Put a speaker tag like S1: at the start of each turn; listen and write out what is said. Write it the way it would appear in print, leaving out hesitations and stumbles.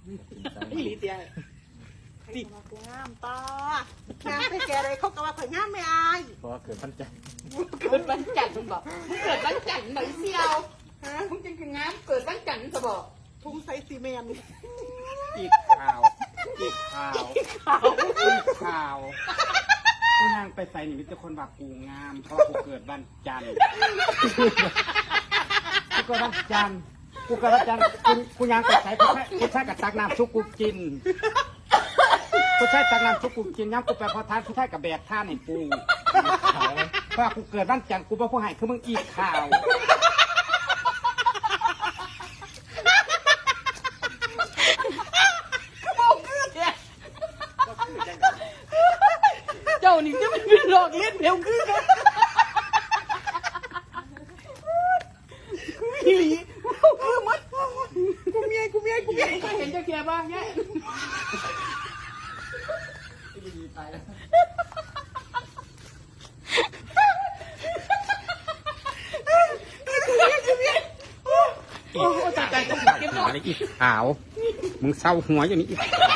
S1: ลีเดียติดกูงามตางามไปแกอะไรเขาก็ว่าข่อยงามไม่อาย
S2: เพราะว่าเกิดวันจันทร์
S1: เกิดวันจันทร์มึงบอกมึงเกิดวันจันทร์หน่อยเสียวมึงจริงๆงามเกิดวันจันทร์จะบอกทุ่งไซซีเมนต์
S2: อีกข่าวกูนางไปใส่หนิมิตรคนแบบกูงามเพราะกูเกิดวันจันทร์กูเกิดวันจันทร์กูยังไปใส่กูใช้กับตักน้ำซุปกูกินกูใช้ตักน้ำซุปกูกินย้ำกูไปพอทานกูใช้กับแบกท่านให้กูเพราะกูเกิดวันจันทร์กูเป็นผู้ให้คือมึงอีกข่าว
S1: เจ้านี่จะเป็นหลอกเล่นเร็วขึ้นอีหลีคือมัดกูเมียก็เห็นจะเกียบ้างแง่
S2: ตายแล้วโอ้ตายหัวนี่อีกขาวมึงเศร้าหัวอย่างนี้อีก